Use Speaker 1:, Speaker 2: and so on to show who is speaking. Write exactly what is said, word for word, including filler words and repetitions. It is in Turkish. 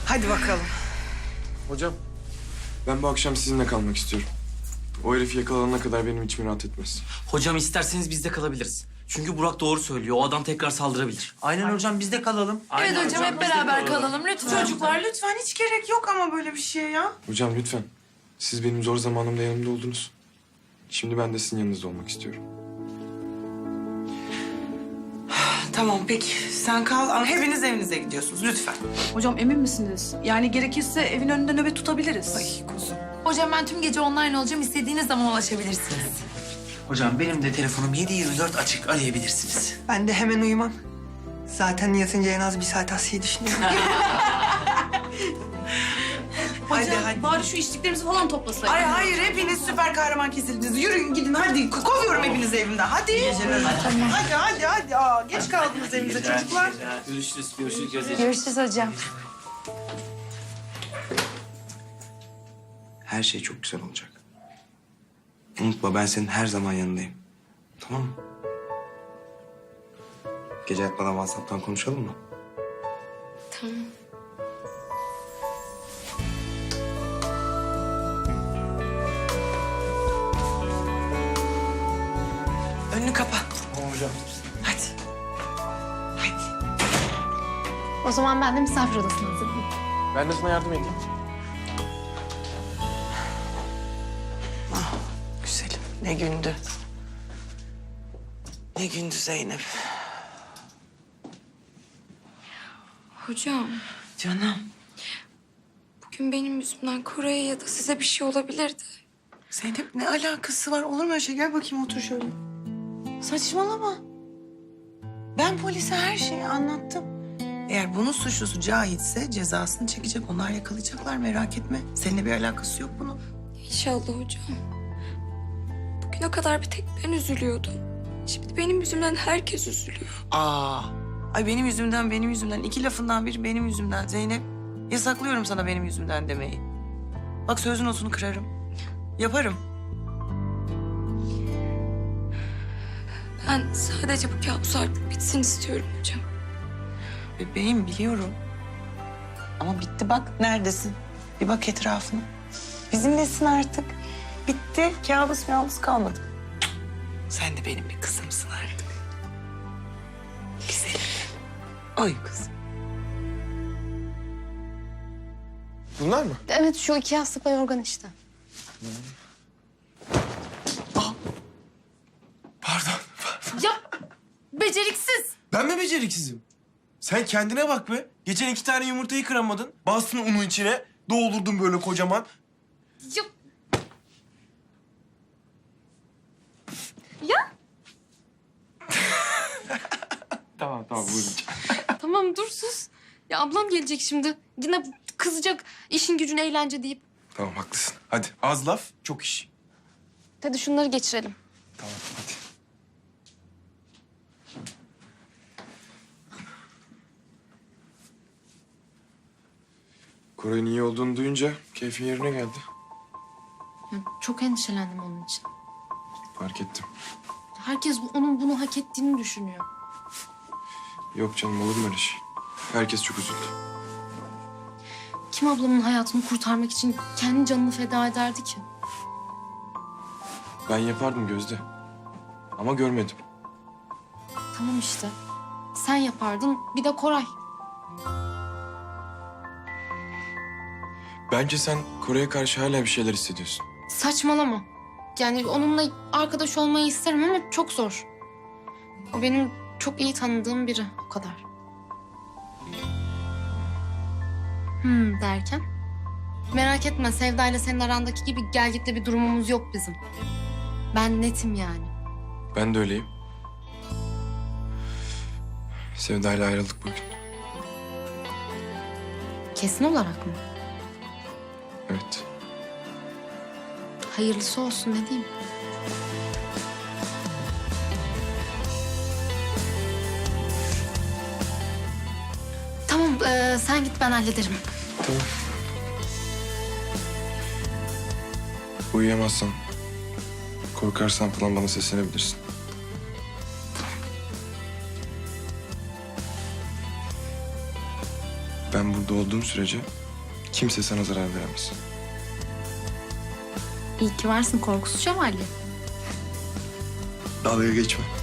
Speaker 1: Hadi bakalım.
Speaker 2: Hocam, ben bu akşam sizinle kalmak istiyorum. O herif yakalanana kadar benim içim rahat etmez.
Speaker 3: Hocam isterseniz biz de kalabiliriz. Çünkü Burak doğru söylüyor. O adam tekrar saldırabilir.
Speaker 4: Aynen hocam biz de kalalım.
Speaker 1: Evet hocam, hep
Speaker 3: biz de
Speaker 1: beraber kalalım lütfen. Çocuklar lütfen, hiç gerek yok ama böyle bir şeye ya.
Speaker 2: Hocam lütfen, siz benim zor zamanımda yanımda oldunuz. Şimdi ben de sizin yanınızda olmak istiyorum.
Speaker 1: Tamam peki, sen kal ama hepiniz evinize gidiyorsunuz lütfen.
Speaker 5: Hocam emin misiniz? Yani gerekirse evin önünde nöbet tutabiliriz.
Speaker 1: Ay kuzum.
Speaker 6: Hocam ben tüm gece online olacağım. İstediğiniz zaman ulaşabilirsiniz.
Speaker 4: Hocam benim de telefonum yedi yirmi dört açık, arayabilirsiniz.
Speaker 7: Ben de hemen uyumam. Zaten yatınca en az bir saat Asya'yı düşünüyorum.
Speaker 1: Hadi
Speaker 5: Hocam
Speaker 1: hadi.
Speaker 5: bari şu içtiklerimizi falan toplasaydık.
Speaker 1: Ay hayır, hepiniz süper kahraman kesildiniz. Yürüyün gidin hadi. Kovuyorum hepinizi evimden. Hadi. Hadi hadi hadi. Aa, geç kaldınız evinize çocuklar.
Speaker 3: Görüşürüz, görüşürüz. Görüşürüz.
Speaker 6: Görüşürüz hocam.
Speaker 4: Her şey çok güzel olacak. Unutma ben senin her zaman yanındayım. Tamam mı? Gece yatmadan WhatsApp'tan konuşalım mı?
Speaker 6: Tamam.
Speaker 1: Önünü kapa.
Speaker 2: Tamam hocam.
Speaker 1: Hadi. Hadi.
Speaker 6: O zaman ben de misafir odasına hazırlayayım.
Speaker 2: Ben de sana yardım edeyim.
Speaker 1: Güzelim. Ne gündü. Ne gündü Zeynep.
Speaker 8: Hocam,
Speaker 1: Canım.
Speaker 8: bugün benim yüzümden Koray'a ya da size bir şey olabilirdi.
Speaker 1: Zeynep ne alakası var? Olur mu öyle şey? Gel bakayım otur şöyle. Saçmalama. Ben polise her şeyi anlattım. Eğer bunun suçlusu Cahit'se cezasını çekecek. Onlar yakalayacaklar, merak etme. Seninle bir alakası yok bunun.
Speaker 8: İnşallah hocam. Bugüne kadar bir tek ben üzülüyordum. Şimdi benim yüzümden herkes üzülüyor.
Speaker 1: Aa. Ay benim yüzümden, benim yüzümden. İki lafından biri benim yüzümden Zeynep. Yasaklıyorum sana benim yüzümden demeyi. Bak söz notunu kırarım. Yaparım.
Speaker 8: Ben sadece bu kabus artık bitsin istiyorum hocam.
Speaker 1: Bebeğim biliyorum. Ama bitti bak neredesin? Bir bak etrafına. Bizimlesin artık. Bitti. Kabus kabus kalmadı. Sen de benim bir kızımsın artık. Güzelim. Ay kızım.
Speaker 2: Bunlar mı?
Speaker 6: Evet şu iki yastık ve yorgan işte.
Speaker 2: Pardon, pardon.
Speaker 6: Ya beceriksiz.
Speaker 2: Ben mi beceriksizim? Sen kendine bak be. Geçen iki tane yumurtayı kıramadın. Bastın unu içine. Doldurdun böyle kocaman.
Speaker 6: Ya. Ya
Speaker 2: Tamam, tamam. Buyurun.
Speaker 6: tamam dur sus. Ya ablam gelecek şimdi. Yine kızacak işin gücün eğlence deyip.
Speaker 2: Tamam, haklısın. Hadi az laf, çok iş.
Speaker 6: Hadi şunları geçirelim.
Speaker 2: Tamam, hadi. Koray'ın iyi olduğunu duyunca keyfin yerine geldi.
Speaker 6: Ya çok endişelendim onun için.
Speaker 2: Fark ettim.
Speaker 6: Herkes bu- onun bunu hak ettiğini düşünüyor.
Speaker 2: Yok canım, olur mu öyle şey? Herkes çok üzüldü.
Speaker 6: Kim ablamın hayatını kurtarmak için kendi canını feda ederdi ki?
Speaker 2: Ben yapardım Gözde. Ama görmedim.
Speaker 6: Tamam işte. Sen yapardın, bir de Koray.
Speaker 2: Bence sen Koray'a karşı hala bir şeyler hissediyorsun.
Speaker 6: Saçmalama. Yani onunla arkadaş olmayı isterim ama çok zor. O benim çok iyi tanıdığım biri, o kadar. Hmm derken? Merak etme, Sevda ile senin arandaki gibi gelgitli bir durumumuz yok bizim. Ben netim yani.
Speaker 2: Ben de öyleyim. Sevda'yla ayrıldık bugün.
Speaker 6: Kesin olarak mı?
Speaker 2: Evet.
Speaker 6: Hayırlısı olsun, ne diyeyim? Tamam, ee, sen git, ben hallederim.
Speaker 2: Tamam. Uyuyamazsan, korkarsan falan bana seslenebilirsin. Ben burada olduğum sürece kimse sana zarar veremez.
Speaker 6: İyi ki varsın korkusuz şövalye.
Speaker 2: Dalga geçme.